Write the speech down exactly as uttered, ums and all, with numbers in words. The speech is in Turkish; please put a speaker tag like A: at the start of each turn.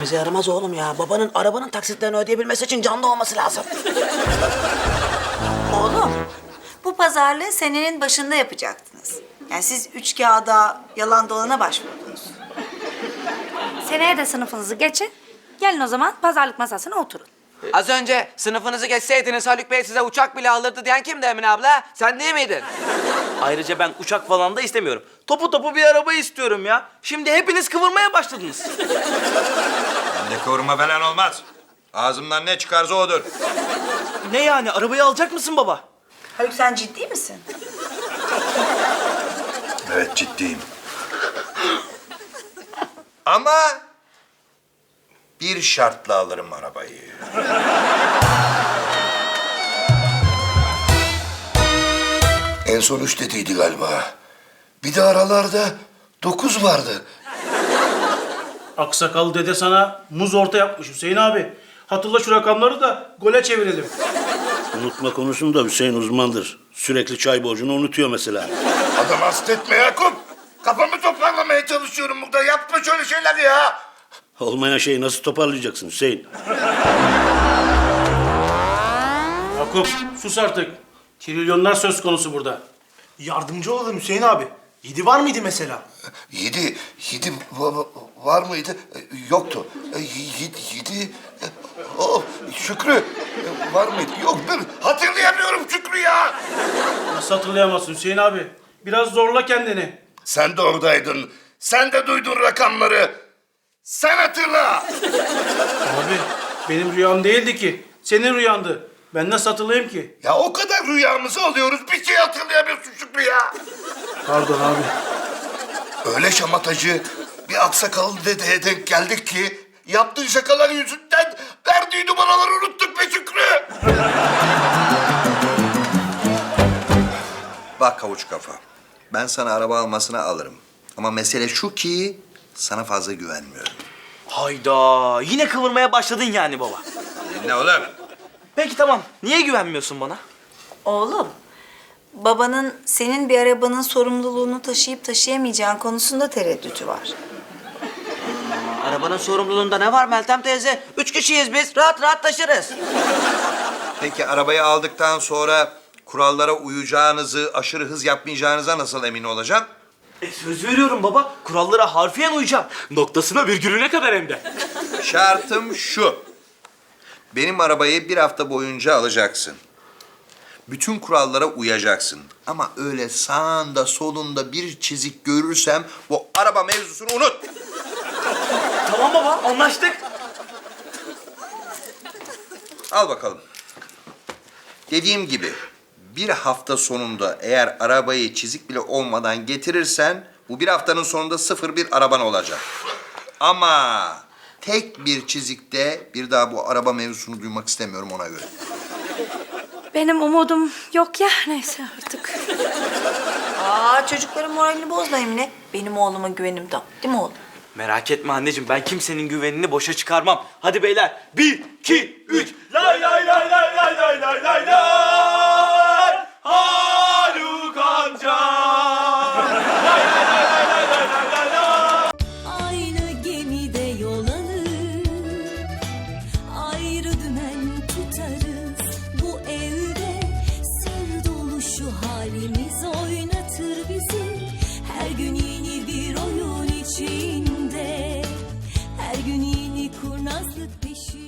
A: İşimize yaramaz oğlum ya. Babanın arabanın taksitlerini ödeyebilmesi için canlı olması lazım.
B: Oğlum, bu pazarlığı senenin başında yapacaktınız. Yani siz üç kağıda, yalan dolana başvurdunuz.
C: Seneye de sınıfınızı geçin. Gelin o zaman pazarlık masasına oturun.
D: Az önce sınıfınızı geçseydiniz Haluk Bey size uçak bile alırdı diyen kimdi Emine abla? Sen değil miydin?
E: Ayrıca ben uçak falan da istemiyorum. Topu topu bir araba istiyorum ya. Şimdi hepiniz kıvırmaya başladınız.
F: Bende kıvırma falan olmaz. Ağzımdan ne çıkarsa odur.
E: Ne yani? Arabayı alacak mısın baba?
B: Haluk sen ciddi misin?
F: Evet, ciddiyim. Ama bir şartla alırım arabayı.
G: En son üç dediydi galiba. Bir de aralarda dokuz vardı.
H: Aksakal dede sana muz orta yapmış Hüseyin abi. Hatırla şu rakamları da gole çevirelim.
I: Unutma konusunda Hüseyin uzmandır. Sürekli çay borcunu unutuyor mesela.
G: Adam hasta etme Yakup. Kafamı toparlamaya çalışıyorum burada. Yapma şöyle şeyler ya.
I: Olmayan şeyi nasıl toparlayacaksın Hüseyin?
H: Yakup sus artık. Trilyonlar söz konusu burada.
J: Yardımcı olalım Hüseyin abi. Yedi var mıydı mesela?
G: Yedi, yedi va- va- var mıydı? E, Yoktu. E, Yedi, yedi. e, Oh, Şükrü e, var mıydı? Yok, dur. Hatırlayamıyorum Şükrü ya.
H: Nasıl hatırlayamazsın Hüseyin abi? Biraz zorla kendini.
G: Sen de oradaydın. Sen de duydun rakamları. Sen hatırla.
H: Abi benim rüyam değildi ki. Senin rüyandı. Ben nasıl hatırlayayım ki?
G: Ya o kadar rüyamızı alıyoruz. Bir şey hatırlayamıyorsun Şükrü ya.
H: Pardon abi.
G: Öyle şamatacı bir aksakallı dedeye denk geldik ki yaptığı şakalar yüzünden verdiği numaraları unuttuk be Şükrü.
F: Bak havuç kafa. Ben sana araba almasına alırım. Ama mesele şu ki sana fazla güvenmiyorum.
E: Hayda. Yine kıvırmaya başladın yani baba.
F: Ne oğlum?
E: Peki tamam. Niye güvenmiyorsun bana?
B: Oğlum, babanın senin bir arabanın sorumluluğunu taşıyıp taşıyamayacağın konusunda tereddütü var.
D: Arabanın sorumluluğunda ne var Meltem teyze? Üç kişiyiz biz. Rahat rahat taşırız.
F: Peki arabayı aldıktan sonra kurallara uyacağınızı, aşırı hız yapmayacağınıza nasıl emin olacağım?
E: E, söz veriyorum baba. Kurallara harfiyen uyacağım. Noktasına virgülüne kadar hem de.
F: Şartım şu. Benim arabayı bir hafta boyunca alacaksın. Bütün kurallara uyacaksın. Ama öyle sağında solunda bir çizik görürsem bu araba mevzusunu unut.
E: Tamam baba anlaştık.
F: Al bakalım. Dediğim gibi bir hafta sonunda eğer arabayı çizik bile olmadan getirirsen bu bir haftanın sonunda sıfır bir araban olacak. Ama tek bir çizikte bir daha bu araba mevzusunu duymak istemiyorum ona göre.
C: Benim umudum yok ya. Neyse artık.
B: Aa, çocukların moralini bozma Emine. Benim oğluma güvenim tam. Değil mi oğlum?
E: Merak etme anneciğim ben kimsenin güvenini boşa çıkarmam. Hadi beyler bir, iki, üç. Lay lay lay lay lay lay lay lay lay. Haluk amca. Lay lay lay lay lay lay lay lay.
K: Aynı gemide yol alır, ayrı dümen tutarız. Bu evde sır dolu şu halimiz oynatır bizi. Her gün yeni bir oyun içinde, her gün yeni kurnazlık peşinde.